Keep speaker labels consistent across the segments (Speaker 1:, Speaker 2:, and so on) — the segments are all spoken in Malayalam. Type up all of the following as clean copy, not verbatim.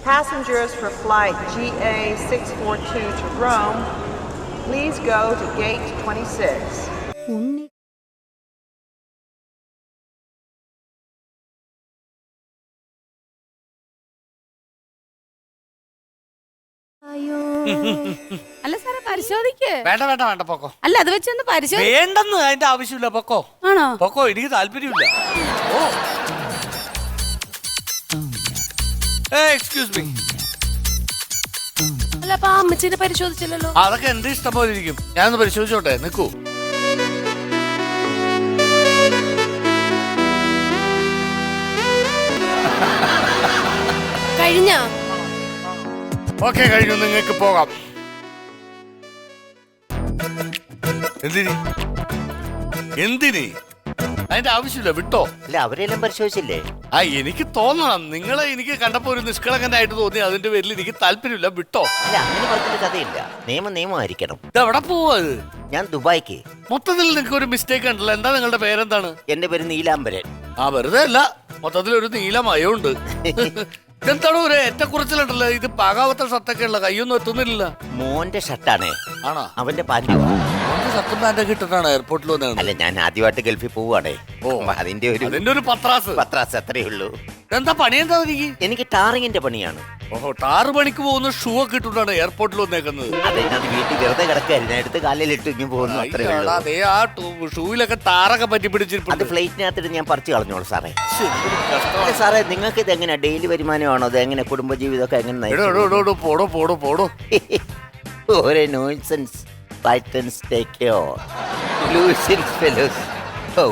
Speaker 1: Passengers for flight GA642 to Rome, please go to gate 26.
Speaker 2: അല്ല സാറേ പരിശോധിക്ക്.
Speaker 3: വേണ്ട വേണ്ട വേണ്ട പൊക്കോ.
Speaker 2: അല്ല അത് വെച്ചൊന്ന് പരിശോധി.
Speaker 3: വേണ്ടെന്ന് അതിന്റെ ആവശ്യമില്ല. പൊക്കോ
Speaker 2: ആണോ?
Speaker 3: പൊക്കോ, എനിക്ക് താല്പര്യമില്ല. Oh excuse me.
Speaker 2: അല്ല അപ്പൊ അമ്മച്ചിനെ പരിശോധിച്ചില്ലല്ലോ.
Speaker 3: അതൊക്കെ എന്റെ ഇഷ്ടം പോലെ ഇരിക്കും. ഞാനൊന്ന് പരിശോധിച്ചോട്ടെ, നിക്കൂ.
Speaker 2: കഴിഞ്ഞ
Speaker 3: ഓക്കെ കഴിഞ്ഞു, നിങ്ങൾക്ക് പോകാം. എന്തിന് അതിന്റെ ആവശ്യമില്ല, വിട്ടോ.
Speaker 4: അല്ല അവരെല്ലാം പരിശോധിച്ചില്ലേ?
Speaker 3: എനിക്ക് തോന്നണം, നിങ്ങളെ എനിക്ക് കണ്ടപ്പോ ഒരു നിഷ്കളങ്കനായിട്ട് തോന്നി. അതിന്റെ പേരിൽ എനിക്ക് താല്പര്യമില്ല, വിട്ടോ.
Speaker 4: അല്ല അങ്ങനെ പറഞ്ഞിട്ട് കഥയില്ല. നിയമമായിരിക്കണം.
Speaker 3: ഇത് എവിടെ പോവാ?
Speaker 4: ഞാൻ ദുബായിക്ക്.
Speaker 3: മൊത്തത്തിൽ നിങ്ങൾക്ക് ഒരു മിസ്റ്റേക്ക് ഉണ്ടല്ലോ. എന്താ നിങ്ങളുടെ പേരെന്താണ്?
Speaker 4: എന്റെ പേര് നീലാംബരൻ.
Speaker 3: വെറുതെ അല്ല, മൊത്തത്തിൽ ഒരു നീലമയമുണ്ട്. ഇതെന്താണോ ഒരു ഏറ്റക്കുറച്ചിലുണ്ടല്ലോ. ഇത് പാകാവത്ത ഷർട്ടൊക്കെ ഉള്ള, കൈയൊന്നും എത്തുന്നില്ല.
Speaker 4: മോന്റെ ഷർട്ടാണ്.
Speaker 3: ആണോ?
Speaker 4: അവന്റെ പാൻറ്.
Speaker 3: ഷർട്ടും പാൻറ്റൊക്കെ ഇട്ടിട്ടാണ് എയർപോർട്ടിൽ വന്നത്.
Speaker 4: അല്ല ഞാൻ ആദ്യമായിട്ട് ഗൾഫിൽ പോവാണേ. അതിന്റെ ഒരു പത്രാസ് അത്രേ ഉള്ളൂ.
Speaker 3: എന്താ പണി? എന്താ
Speaker 4: എനിക്ക് ടാറിങ്ങിന്റെ പണിയാണ്.
Speaker 3: ഓഹോ, 6 മണിക്ക് പോകുന്ന ഷൂ ഒക്കെ ഇട്ടിട്ടാണ് എയർപോർട്ടിൽ വന്നേക്കുന്നത്.
Speaker 4: അതെ, ഞാൻ വീട്ടിൽ വെറുതെ കിടക്കായിരുന്നു, എടുത്ത് കാലിലിട്ട് ഇങ്ങനെ പോകുന്നു.
Speaker 3: അതേ ആ ഷൂവിലൊക്കെ ടാറൊക്കെ പറ്റി പിടിച്ചിട്ടുണ്ട്.
Speaker 4: അത് ഫ്ലൈറ്റിനകത്തിട്ട് ഞാൻ പറിച്ചു കളഞ്ഞോളൂ സാറേ. സാറേ നിങ്ങൾക്ക് ഇത് എങ്ങനെ ഡെയിലി വരുമാനമാണോ? അത് എങ്ങനെ കുടുംബജീവിതമൊക്കെ എങ്ങനെ?
Speaker 3: പോടോ
Speaker 4: ഓരോ nonsense Titans take care. Losing fellows. Oh.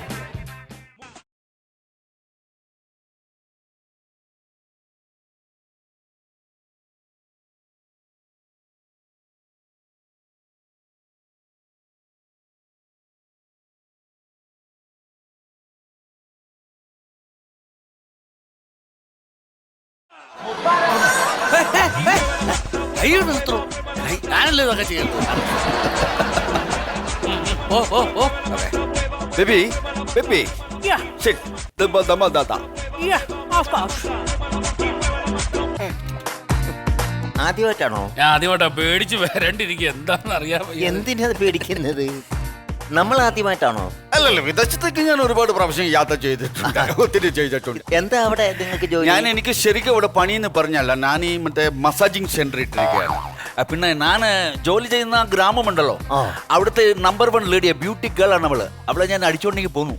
Speaker 3: ഞാനല്ലേ ഇതൊക്കെ ചെയ്യുന്നത്.
Speaker 5: Baby.
Speaker 6: Yeah.
Speaker 5: Sit. Da.
Speaker 6: Yeah, of course.
Speaker 4: ആദ്യമായിട്ടാണോ?
Speaker 3: ഞാൻ ആദ്യമായിട്ടാ. പേടിച്ച് വരണ്ടിരിക്കുക. എന്താണെന്ന് അറിയാൻ.
Speaker 4: എന്തിനാ പേടിക്കുന്നത്? നമ്മൾ ആദ്യമായിട്ടാണോ?
Speaker 5: അല്ലല്ല, വിദേശത്തേക്ക് ഞാൻ ഒരുപാട് പ്രാവശ്യം യാത്ര ചെയ്തിട്ടുണ്ട്. ഒത്തിരി ചെയ്തിട്ടുണ്ട്.
Speaker 4: എന്താ അവിടെ നിങ്ങൾക്ക് ജോലി?
Speaker 5: എനിക്ക് ശരിക്കും ഇവിടെ പണിയെന്ന് പറഞ്ഞല്ല, ഞാൻ ഈ മറ്റേ മസാജിങ് സെന്റർ ഇട്ടിരിക്കുകയാണ്. പിന്നെ ഞാൻ ജോലി ചെയ്യുന്ന ഗ്രാമമുണ്ടല്ലോ, അവിടുത്തെ നമ്പർ 1 ലേഡിയ ബ്യൂട്ടി ഗേൾ ആണ് അവള്. അവളെ ഞാൻ അടിച്ചോണ്ടെങ്കിൽ പോന്നു.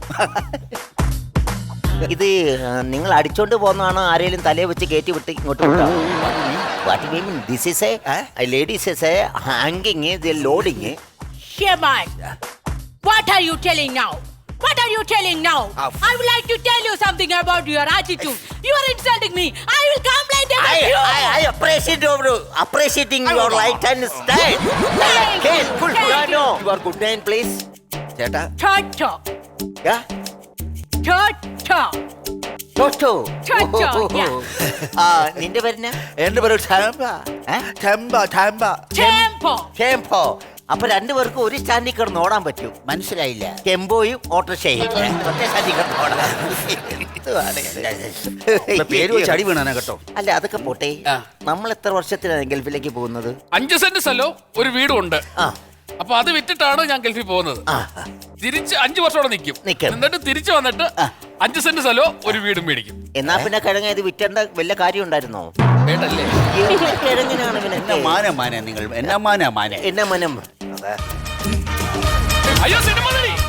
Speaker 4: ഇത് നിങ്ങൾ അടിച്ചോണ്ട് പോകുന്നതാണോ? ആരെങ്കിലും തലയെ വെച്ച് കയറ്റി വിട്ട് ഇങ്ങോട്ട് വിട്ടോ? This is a ladies is a hanging, the loading.
Speaker 6: Shaman, what are you telling now? What are you telling now? I would like to tell you something about your attitude. You are insulting me. I will complain about you.
Speaker 4: I appreciating your light and style. No. Your good name, please. ചേട്ടാ.
Speaker 6: Toto.
Speaker 4: Yeah.
Speaker 6: Toto.
Speaker 4: Toto.
Speaker 6: Yeah.
Speaker 4: നിന്റെ പേരെന്നാ?
Speaker 5: എന്റെ പേര്
Speaker 4: ടെമ്പോ. അപ്പൊ രണ്ടുപേർക്കും ഒരു സ്റ്റാൻഡിൽ കിടന്ന് ഓടാൻ പറ്റും. മനസ്സിലായില്ല? ടെമ്പോയും ഓട്ടോറിക്ഷയും ഒറ്റ സ്റ്റാൻഡിൽ കിടന്ന് ഓടാൻ.
Speaker 5: പേര് വെച്ച് അടി വീണാനാ കേട്ടോ.
Speaker 4: അല്ല അതൊക്കെ പോട്ടെ. നമ്മൾ എത്ര വർഷത്തിലാണ് ഗൾഫിലേക്ക് പോകുന്നത്?
Speaker 3: 5 സെന്റ് സ്ഥലവും ഒരു വീടും ഉണ്ട്. അപ്പൊ അത് വിറ്റിട്ടാണ് ഞാൻ ഗൾഫിൽ പോകുന്നത്. തിരിച്ച് 5 വർഷത്തോടെ നിൽക്കും. എന്നിട്ട് തിരിച്ചു വന്നിട്ട് 5 സെന്റ് സ്ഥലവും ഒരു വീടും മേടിക്കും.
Speaker 4: എന്നാ പിന്നെ കിഴങ്ങ ഇത് വിറ്റേണ്ട വല്ല കാര്യം ഉണ്ടായിരുന്നോ?
Speaker 3: വേണ്ടല്ലേ?
Speaker 4: കിഴങ്ങിനാണ്
Speaker 5: നിങ്ങൾ എന്നാ
Speaker 4: മനം.
Speaker 3: അയ്യോ സിനിമ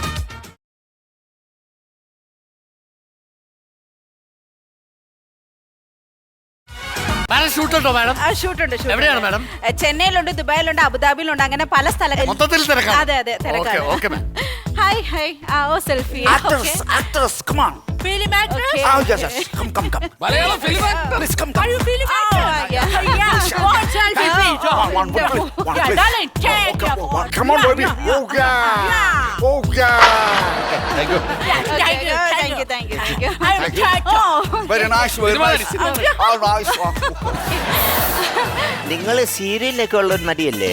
Speaker 3: ഷൂട്ടുണ്ടോ മാഡം?
Speaker 2: ഷൂട്ടുണ്ട്.
Speaker 3: എവിടെയാണ് മാഡം?
Speaker 2: ചെന്നൈയിലുണ്ട്, ദുബായിലുണ്ട്, അബുദാബിയിലുണ്ട്, അങ്ങനെ പല സ്ഥലങ്ങളിൽ.
Speaker 3: മൊത്തത്തിൽ തിരക്കാണ്.
Speaker 2: അതെ തിരക്കാണ്.
Speaker 6: Hi. Oh, selfie.
Speaker 5: Actors, come on.
Speaker 6: Film actress?
Speaker 5: Okay. Oh, yes. Come.
Speaker 3: Malayalam film
Speaker 5: Please come.
Speaker 6: Are you film actor? Yeah. One selfie, please.
Speaker 5: One, please.
Speaker 6: Yeah, darling, take
Speaker 5: one. Come on, baby. Oh, yeah. Thank you.
Speaker 6: Thank you. I'm Toto.
Speaker 5: Very nice. All nice.
Speaker 4: നിങ്ങൾ സീരിയലൊക്കെ ഉള്ള ഒരു നടിയല്ലേ?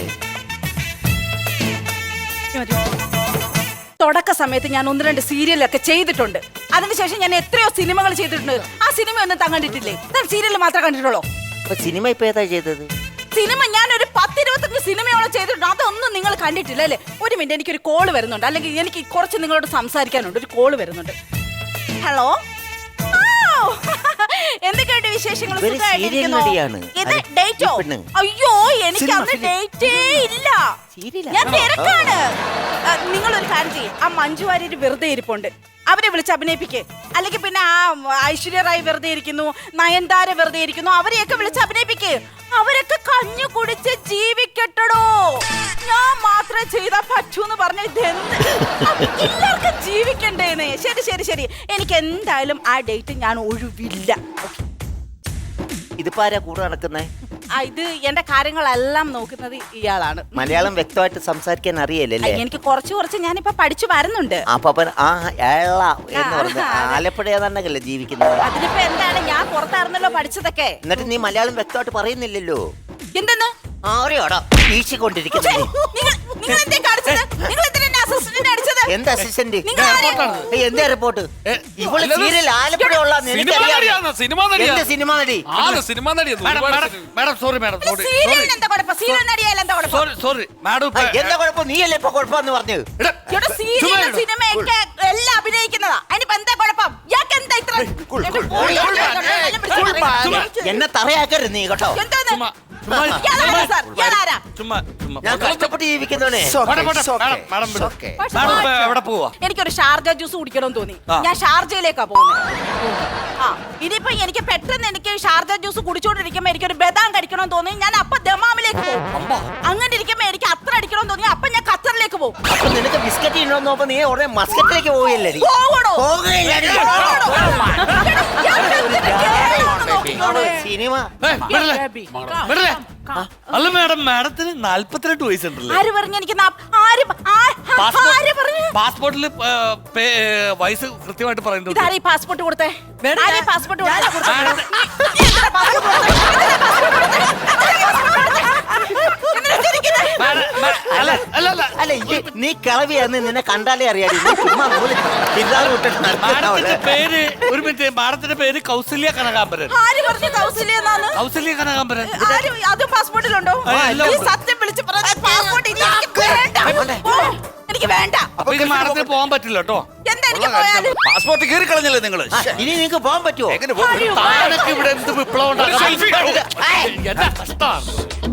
Speaker 2: തുടക്ക സമയത്ത് ഞാൻ 1-2 സീരിയലൊക്കെ ചെയ്തിട്ടുണ്ട്. അതിനുശേഷം ഞാൻ എത്രയോ സിനിമകൾ ചെയ്തിട്ടുണ്ട്. ആ സിനിമ ഒന്നും കണ്ടിട്ടില്ലേ? സീരിയൽ മാത്രമേ കണ്ടിട്ടുള്ളൂ.
Speaker 4: അപ്പൊ സിനിമ ഇപ്പൊ ഏതാ ചെയ്തത്?
Speaker 2: സിനിമ ഞാൻ ഒരു 10-25 സിനിമയോളം ചെയ്തിട്ടുണ്ട്. അതൊന്നും നിങ്ങൾ കണ്ടിട്ടില്ല അല്ലേ? ഒരു മിനിറ്റ്, എനിക്കൊരു കോള് വരുന്നുണ്ട്, അല്ലെങ്കിൽ എനിക്ക് കുറച്ച് നിങ്ങളോട് സംസാരിക്കാനുണ്ട്. ഒരു കോള് വരുന്നുണ്ട്. ഹലോ, എന്തൊക്കെയുണ്ട് വിശേഷങ്ങൾ?
Speaker 4: ഇവര് serial നടിയാണ്.
Speaker 2: ഇത്
Speaker 4: അതെ,
Speaker 2: ഡേറ്റോ?
Speaker 4: ഈ പെണ്ണ്.
Speaker 2: അയ്യോ, എനിക്ക് അന്ന് ഡേറ്റേ ഇല്ല.
Speaker 4: Serial
Speaker 2: ഞാൻ
Speaker 4: ആണോ?
Speaker 2: തിരക്കാണ്. നിങ്ങളൊരു കാര്യം ചെയ്യും, ആ മഞ്ജു വാര്യർ വെറുതെ ഇരിപ്പുണ്ട്, അവരെ വിളിച്ച് അഭിനയിപ്പിക്കേ. അല്ലെങ്കിൽ പിന്നെ ആ ഐശ്വര്യ റായ് വെറുതെ ഇരിക്കുന്നു, നയൻതാര വെറുതെ ഇരിക്കുന്നു, അവരെയൊക്കെ വിളിച്ച് അഭിനയിപ്പിക്കേ. അവരൊക്കെ കഞ്ഞു കുടിച്ച് ജീവിക്കട്ടോ. ഞാൻ മാത്രമേ ചെയ്താ പറ്റൂന്ന് പറഞ്ഞ ഇതെന്ത്? എല്ലാവർക്കും ജീവിക്കണ്ടേന്ന്. ശരി ശരി ശരി, എനിക്ക് എന്തായാലും ആ ഡേറ്റ് ഞാൻ ഒഴിവില്ല.
Speaker 4: ഇതിപ്പോ ആരാ കൂടെ നടക്കുന്നേ?
Speaker 2: ഇത് എന്റെ കാര്യങ്ങളെല്ലാം നോക്കുന്നത് ഇയാളാണ്.
Speaker 4: മലയാളം വ്യക്തമായിട്ട് സംസാരിക്കാൻ അറിയല്ലേ?
Speaker 2: എനിക്ക് കുറച്ച് ഞാനിപ്പോ പഠിച്ചു വരുന്നുണ്ട്.
Speaker 4: അപ്പൊ ആ ഏള എന്ന് പറഞ്ഞ ആലപ്പുഴ ഏതാണ്ടല്ലേ ജീവിക്കുന്നത്?
Speaker 2: അതിനിപ്പോ എന്താണ്, ഞാൻ പുറത്തായിരുന്നല്ലോ പഠിച്ചതൊക്കെ.
Speaker 4: എന്നിട്ട് നീ മലയാളം വ്യക്തമായിട്ട് പറയുന്നില്ലല്ലോ.
Speaker 2: എന്തെന്ന്
Speaker 4: ആരെയോടാ വീശിക്കൊണ്ടിരിക്കുന്നത്?
Speaker 2: നിങ്ങൾ എന്തേ കാണിച്ചത്? നിങ്ങൾ എന്തിനാ എന്നെ അസിസ്റ്റന്റ് അടിച്ചത്?
Speaker 4: എന്ത് അസിസ്റ്റന്റ്?
Speaker 2: നിങ്ങൾ ആരെ?
Speaker 4: എന്താ റിപ്പോർട്ട്? ഇവള് സീരിയൽ ആലപ്പുഴ ഉള്ള
Speaker 3: സിനിമ നടിയാണ്, സിനിമ നടിയാണ്.
Speaker 4: സിനിമ നടി.
Speaker 3: സിനിമ നടിയാണ്.
Speaker 5: മാഡം സോറി മാഡം സോറി
Speaker 2: സീരിയലിന് എന്താ കുഴപ്പം? സീരിയൽ നടിയായാലും എന്താ കുഴപ്പം?
Speaker 5: സോറി സോറി മാഡം
Speaker 4: എന്താ കുഴപ്പം? നീയല്ലേ ഇപ്പൊ കുഴപ്പമെന്ന് പറഞ്ഞു?
Speaker 2: ഇവിടെ സീരിയൽ സിനിമയൊക്കെ എല്ലാം അഭിനയിക്കുന്നതാ. അതിനിപ്പോ എന്താ കുഴപ്പം? ഇയാൾക്ക് എന്താ ഇത്ര?
Speaker 4: എന്നെ തറയാക്കരുത് നീ കേട്ടോ.
Speaker 2: എന്താന്ന്? ഇയാളാരാ സാർ? ഇയാളാരാ?
Speaker 5: ചുമ്മാ ചുമ്മാ
Speaker 4: ഞാൻ കഷ്ടപ്പെട്ട് ജീവിക്കുന്നവനെ.
Speaker 5: മാഡം എവിടെ പോവാ?
Speaker 2: എനിക്കൊരു ഷാർജ ജ്യൂസ് കുടിക്കണമെന്ന് തോന്നി.
Speaker 5: ആ.
Speaker 2: ഞാൻ ഷാർജയിലേക്കാ പോകുന്നത്. ആ, ഇനിയിപ്പോ എനിക്ക് പെട്ടെന്ന് എനിക്ക് ഷാർജ ജ്യൂസ് കുടിച്ചോണ്ടിരിക്കുമ്പോ എനിക്കൊരു ബദാം കഴിക്കണമെന്ന് തോന്നി, ഞാൻ അപ്പൊ ദമാമിലേക്ക് പോകും. അങ്ങനെ ഇരിക്കുമ്പോ എനിക്ക് അത്ര അടിക്കണമെന്ന് തോന്നി, അപ്പൊ ഞാൻ ഖത്തറിലേക്ക് പോകും.
Speaker 4: അപ്പൊ നിനക്ക് ബിസ്ക്കറ്റ് ഇന്നോന്ന് നോക്കുമ്പോ നീ ഉടനെ മസ്കറ്റിലേക്ക് പോവുകയല്ലേ?
Speaker 2: പോകണോ?
Speaker 4: സിനിമ
Speaker 5: അല്ല മാഡം, മാഡത്തിന് 42 വയസ്സുണ്ടല്ലേ?
Speaker 2: ആര് പറഞ്ഞു എനിക്ക്
Speaker 5: പാസ്പോർട്ടിൽ വയസ്സ് കൃത്യമായിട്ട് പറയുന്നുണ്ട്.
Speaker 2: ഇതാരീ പാസ്പോർട്ട് കൊടുത്തേ? ആരീ പാസ്പോർട്ട്
Speaker 4: അല്ല നീ കിളവിയാന്ന് നിന്നെ കണ്ടാലേ അറിയാടി.
Speaker 5: മാഡത്തിന്റെ പേര് ഒരു മിനിറ്റ്, മാഡത്തിന്റെ പേര് കൗസല്യ കനകാംബരൻ.
Speaker 2: ആര് പറഞ്ഞു കൗസല്യ എന്നാണ്?
Speaker 5: കൗസല്യ കനകാംബരൻ
Speaker 2: അത് പാസ്പോർട്ടിലുണ്ടോ? ഈ സത്യം വിളിച്ച് പറഞ്ഞ പാസ്പോർട്ട് എനിക്ക് വേണ്ട.
Speaker 5: അപ്പൊ ഇത് മാഡത്തിന് പോകാൻ പറ്റില്ല കേട്ടോ.
Speaker 2: എന്താ എനിക്ക് പോയാല്?
Speaker 5: പാസ്പോർട്ട് കയറി കളഞ്ഞല്ലേ നിങ്ങള്?
Speaker 4: ഇനി നിങ്ങക്ക് പോകാൻ പറ്റുമോ?
Speaker 5: താനൊക്കെ ഇവിടെ എന്ത് വിപ്ലവം ഉണ്ടാക്കാൻ?
Speaker 3: എന്താ കഷ്ടമാണ്.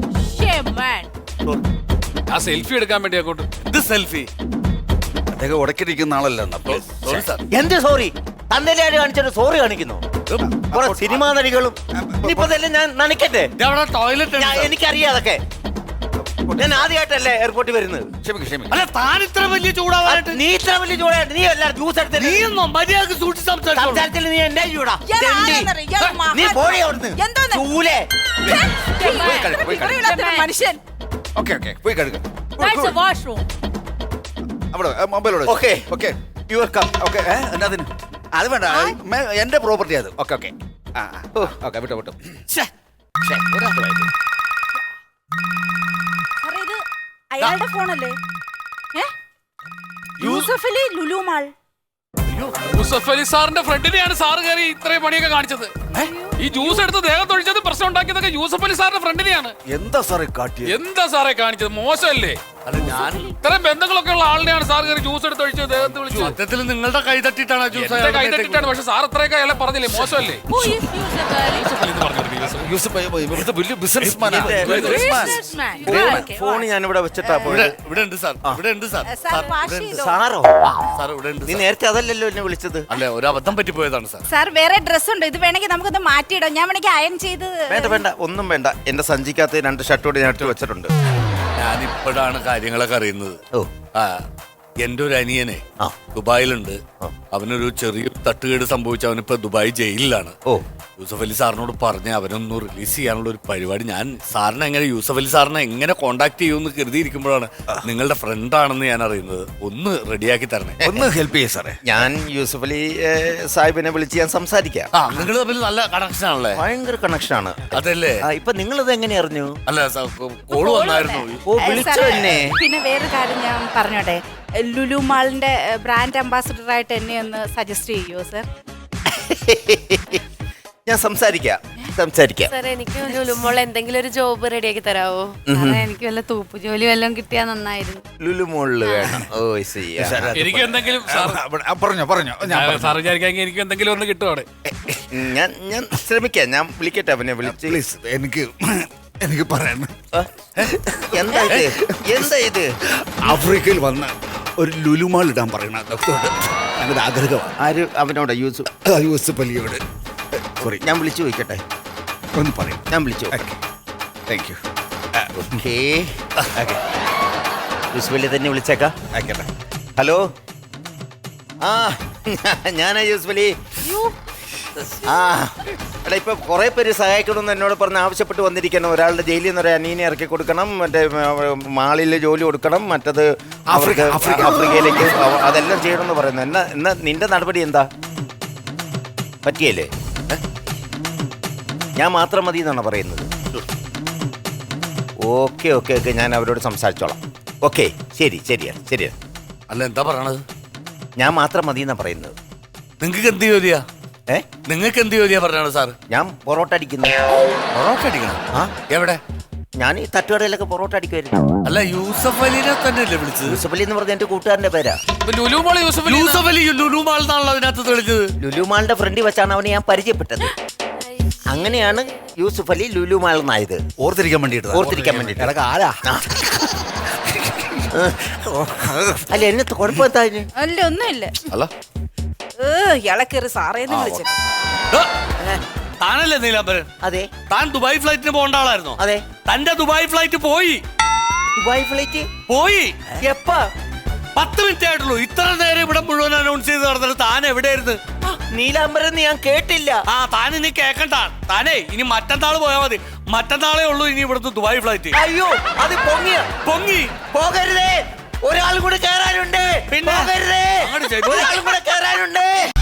Speaker 3: ആ സെൽഫി എടുക്കാൻ വേണ്ടി അങ്ങോട്ട്.
Speaker 5: ഇത് സെൽഫി അദ്ദേഹം ഉടക്കിരിക്കുന്ന ആളല്ല.
Speaker 4: എന്ത് സോറി? തന്നേലെ ആര് കാണിച്ചിട്ട് സോറി കാണിക്കുന്നു? കുറെ സിനിമാ നടികളും ഇനിയിപ്പോ ഇതെല്ലാം ഞാൻ നനയ്ക്കട്ടെ?
Speaker 5: ടോയ്ലറ്റ്
Speaker 4: എനിക്കറിയാം അതൊക്കെ. ഞാൻ ആദ്യമായിട്ടല്ലേ എയർപോർട്ടിൽ വരുന്നത്.
Speaker 5: അല്ല താൻ ഇത്ര വലിയ ചൂടാവാനായിട്ട്
Speaker 4: നീ ഇത്ര വലിയ ചൂടായിട്ട് നീ എല്ലാരും ജ്യൂസ് എടുത്തിട്ട്
Speaker 5: നീയൊന്നും മര്യാദക്ക് സൂക്ഷിച്ച് സംസാരിച്ചോളൂ.
Speaker 4: സംസാരത്തിൽ നീ എന്നെ ചൂടാ.
Speaker 2: ഇയാൾ ആരാന്നറിയോ? ഇയാൾ
Speaker 4: നീ
Speaker 2: മഹാ-
Speaker 4: പോയി അവിടുന്ന്.
Speaker 2: എന്തോന്ന്?
Speaker 4: ചൂലേ.
Speaker 2: ഇവരില്ലാത്തൊരു മനുഷ്യൻ.
Speaker 5: പോയി കഴുകാം.
Speaker 6: That's a washroom.
Speaker 5: അവിടെ മൊബൈലോട്
Speaker 4: Okay.
Speaker 5: Okay you are come. Okay എന്നാതിന് അത് വേണ്ട, എന്റെ പ്രോപ്പർട്ടി അത്. ഓക്കെ ഓക്കെ ഓക്കെ വിട്ടോ വിട്ടോ.
Speaker 2: സാറേ, ഇത് അയാളുടെ ഫോണല്ലേ? യൂസഫ് അലി ലുലു മാൾ.
Speaker 3: യൂസഫ് അലി സാറിന്റെ ഫ്രണ്ടിനെയാണ് സാറ് കയറി ഇത്രയും പണിയൊക്കെ കാണിച്ചത്. ഈ ജ്യൂസ് എടുത്ത് ദേഹത്ത് ഒഴിച്ചത് പ്രശ്നം ഉണ്ടാക്കിയതൊക്കെ യൂസഫ് അലി സാറിന്റെ ഫ്രണ്ടിനെയാണ്.
Speaker 5: എന്താ സാറേ കാട്ടിയത്?
Speaker 3: എന്താ സാറേ കാണിച്ചത്? മോശമല്ലേ?
Speaker 5: അല്ല ഞാൻ
Speaker 3: ഇത്രയും ബന്ധങ്ങളൊക്കെ ഉള്ള ആളിനെയാണ് സാർ കയറി ജ്യൂസ് എടുത്ത് ഒഴിച്ചത്, ദേഹത്ത് വിളിച്ചു.
Speaker 5: സത്യത്തിൽ നിങ്ങളുടെ കൈ തട്ടിട്ടാണ്
Speaker 3: എന്റെ കൈ തട്ടിട്ടാണ്. പക്ഷെ സാർ ഇത്രയൊക്കെ അയാളെ പറഞ്ഞില്ലേ? മോശമല്ലേ?
Speaker 6: Who is Yusuf Ali?
Speaker 5: Businessman.
Speaker 6: Businessman. Okay,
Speaker 4: phone ഞാൻ ഇവിടെ വെച്ചിട്ടാ പോയത്.
Speaker 5: ഇവിടെ ഉണ്ട് സാർ, ഇവിടെ ഉണ്ട് സാർ.
Speaker 2: സാർ വാഷ് ചെയ്തോ?
Speaker 4: സാറോ?
Speaker 5: സാർ ഇവിടെ ഉണ്ട്.
Speaker 4: നീ നേരത്തെ അതല്ലല്ലോ എന്നെ വിളിച്ചത്.
Speaker 5: അല്ല ഒരു അബദ്ധം പറ്റിപ്പോയതാണ് സാർ.
Speaker 2: സാർ വേറെ ഡ്രസ് ഉണ്ട്, ഇത് വേണമെങ്കിൽ നമുക്കൊന്ന് മാറ്റിയിടാം. ഞാൻ വേണമെങ്കിൽ അയൺ ചെയ്ത്.
Speaker 4: വേണ്ട വേണ്ട, ഒന്നും വേണ്ട. എന്റെ സഞ്ചിക്കകത്ത് 2 ഷർട്ടോട് ഞാൻ ഇട്ട് വെച്ചിട്ടുണ്ട്.
Speaker 5: ഞാനിപ്പോഴാണ് കാര്യങ്ങളൊക്കെ അറിയുന്നത്.
Speaker 4: ഓ
Speaker 5: ആ എന്റെ ഒരു അനിയനെ
Speaker 4: ആ.
Speaker 5: ദുബായിലുണ്ട്. അവനൊരു ചെറിയ തട്ടുകേട് സംഭവിച്ച അവനിപ്പോ ദുബായ് ജയിലിലാണ്.
Speaker 4: ഓ
Speaker 5: യൂസഫ് അലി സാറിനോട് പറഞ്ഞ് അവനൊന്ന് റിലീസ് ചെയ്യാനുള്ള ഒരു പരിപാടി. ഞാൻ സാറിനെ എങ്ങനെ യൂസഫ് അലി സാറിനെ എങ്ങനെ കോണ്ടാക്ട് ചെയ്യുമെന്ന് കരുതിയിരിക്കുമ്പോഴാണ് നിങ്ങളുടെ ഫ്രണ്ട് ആണെന്ന് ഞാൻ അറിയുന്നത്. ഒന്ന് റെഡിയാക്കി തരണേ, ഒന്ന് ഹെൽപ്പ് ചെയ്യേ സാറേ.
Speaker 4: ഞാൻ യൂസഫ് അലി സാഹിബിനെ വിളിച്ച് ഞാൻ സംസാരിക്കാം.
Speaker 5: ആ നിങ്ങൾ തമ്മിൽ നല്ല കണക്ഷൻ ആണല്ലേ?
Speaker 4: ഭയങ്കര കണക്ഷൻ ആണ്.
Speaker 5: അതല്ലേ?
Speaker 4: ഇപ്പൊ നിങ്ങളിത് എങ്ങനെ അറിഞ്ഞു?
Speaker 5: അല്ല കോള് വന്നായിരുന്നു.
Speaker 4: ഓ വിളിച്ചോ എന്നെ?
Speaker 2: പിന്നെ വേറെ കാര്യം ഞാൻ പറഞ്ഞോട്ടെ, ലുലു മാളിന്റെ ബ്രാൻഡ് അംബാസിഡർ ആയിട്ട് എന്നെ ഒന്ന് സജസ്റ്റ് ചെയ്യുമോ സർ?
Speaker 4: ഞാൻ സംസാരിക്കാം. സംസാരിക്കാം.
Speaker 7: സാർ എനിക്ക് ലുലുമോൾ എന്തെങ്കിലും ഒരു ജോബ് റെഡിയാക്കി തരാവോ?
Speaker 8: എനിക്ക് വല്ല തൂപ്പ് ജോലി വല്ലതും കിട്ടിയാ നന്നായിരുന്നു.
Speaker 4: ലുലു മോളില് വേണം. ഓ ശരി.
Speaker 3: എനിക്ക് എന്തെങ്കിലും
Speaker 9: പറഞ്ഞോ
Speaker 3: സാർ വിചാരിക്കാമെങ്കിൽ എനിക്ക് എന്തെങ്കിലും ഒന്ന് കിട്ടുവാണ്.
Speaker 4: ഞാൻ ശ്രമിക്കാം. ഞാൻ വിളിക്കട്ടെ അവനെ വിളിച്ച്.
Speaker 9: പ്ലീസ് എനിക്ക് പറയാൻ.
Speaker 4: എന്താ ഇത്
Speaker 9: ആഫ്രിക്കയിൽ വന്ന് ഒരു ലുലുമാൾ ഇടാൻ പറയണ ഞങ്ങളുടെ ആഗ്രഹം.
Speaker 4: ആര് അവനോട്?
Speaker 9: യൂസഫ് അലിയോട്. സോറി,
Speaker 4: ഞാൻ വിളിച്ചു ചോദിക്കട്ടെ.
Speaker 9: ഒന്ന് പറയും.
Speaker 4: ഞാൻ വിളിച്ചു.
Speaker 9: Thank you.
Speaker 4: Okay. Yusuf Ali തന്നെ വിളിച്ചേക്കാം.
Speaker 9: ആയിക്കോട്ടെ.
Speaker 4: ഹലോ. ആ ഞാനാ യൂസഫ് അലി. ആ എടാ, ഇപ്പൊ കുറെ പേര് സഹായിക്കണമെന്ന് എന്നോട് പറഞ്ഞ് ആവശ്യപ്പെട്ട് വന്നിരിക്കണം. ഒരാളുടെ ജയിലിൽ നിന്ന് ഒരു അനീനെ ഇറക്കി കൊടുക്കണം, മറ്റേ മാളിൽ ജോലി കൊടുക്കണം, മറ്റത് ആഫ്രിക്കയിലേക്ക് അതെല്ലാം ചെയ്യണമെന്ന് പറയുന്നു. എന്നാ നിന്റെ നടപടി എന്താ? പറ്റിയല്ലേ? ഞാൻ മാത്രം മതി എന്നാണ് പറയുന്നത്. ഓക്കെ ഞാൻ അവരോട് സംസാരിച്ചോളാം. ഓക്കെ, ശരിയാ.
Speaker 5: അല്ല, എന്താ പറയണത്?
Speaker 4: ഞാൻ മാത്രം മതി എന്നാ പറയുന്നത്.
Speaker 5: നിങ്ങൾക്ക് എന്ത് ജോലിയാ? നിങ്ങൾക്ക് എന്ത് ജോലിയാ പറഞ്ഞാണ് സാർ?
Speaker 4: ഞാൻ പൊറോട്ട അടിക്കുന്നു.
Speaker 5: പൊറോട്ട അടിക്കണം?
Speaker 4: ആ
Speaker 5: എവിടെ?
Speaker 4: ഞാൻ ഈ തട്ടുകടയിലൊക്കെ പൊറോട്ട അടിക്കുമായിരുന്നു.
Speaker 5: അല്ല, യൂസഫ് അലിനെ തന്നെയല്ലേ വിളിച്ചത്?
Speaker 4: യൂസഫ് അലി എന്ന് പറഞ്ഞ എന്റെ കൂട്ടുകാരന്റെ പേരാ.
Speaker 3: ലുലുമോള്
Speaker 5: യൂസഫ് അലി ലുലുമാൾ എന്നാണല്ലോ അതിനകത്ത് വിളിച്ചത്.
Speaker 4: ലുലുമാളിന്റെ ഫ്രണ്ടിൽ വെച്ചാണ് അവനെ ഞാൻ പരിചയപ്പെട്ടത്. അങ്ങനെയാണ് യൂസഫ് അലി ലുലുമാൾ എന്നായത്.
Speaker 9: ഓർത്തിരിക്കാൻ വേണ്ടിട്ട്.
Speaker 4: ആരാ? അല്ല, എന്നത്തെ കുഴപ്പമെന്താ?
Speaker 2: അല്ല ഒന്നുമില്ല.
Speaker 5: അല്ല,
Speaker 2: ഇയാളെ കയറി സാറേന്ന് വിളിച്ചു.
Speaker 5: താനല്ലേ നീലാംബരൻ?
Speaker 4: അതെ.
Speaker 5: താൻ ദുബായ് ഫ്ലൈറ്റിന് പോകേണ്ട ആളായിരുന്നോ?
Speaker 4: അതെ.
Speaker 5: തന്റെ ദുബായ് ഫ്ലൈറ്റ് പോയി.
Speaker 4: ദുബായ് ഫ്ലൈറ്റ്
Speaker 5: പോയി?
Speaker 4: എപ്പാ?
Speaker 5: 10 മിനിറ്റ് ആയിട്ടുള്ളൂ. ഇത്ര നേരം ഇവിടെ മുഴുവൻ അനൗൺസ് ചെയ്ത് നടന്നിട്ട് താൻ എവിടെയായിരുന്നു?
Speaker 4: നീലാംബരൻ ഞാൻ കേട്ടില്ല.
Speaker 5: ആ, താൻ ഇനി കേക്കണ്ട. താനേ ഇനി മറ്റന്നാൾ പോയാൽ മതി. മറ്റന്നാളേ ഉള്ളൂ ഇനി ഇവിടുത്തെ ദുബായ് ഫ്ലൈറ്റ്.
Speaker 4: അയ്യോ, അത് പൊങ്ങി പോകരുതേ. ഒരാൾ കൂടെ കയറാനുണ്ട്.
Speaker 5: പിന്നെ?
Speaker 4: പോകരുതേ.
Speaker 5: അങ്ങോട്ട് ചെയ്തു.
Speaker 4: ഒരാൾ കൂടെ കയറാനുണ്ട്.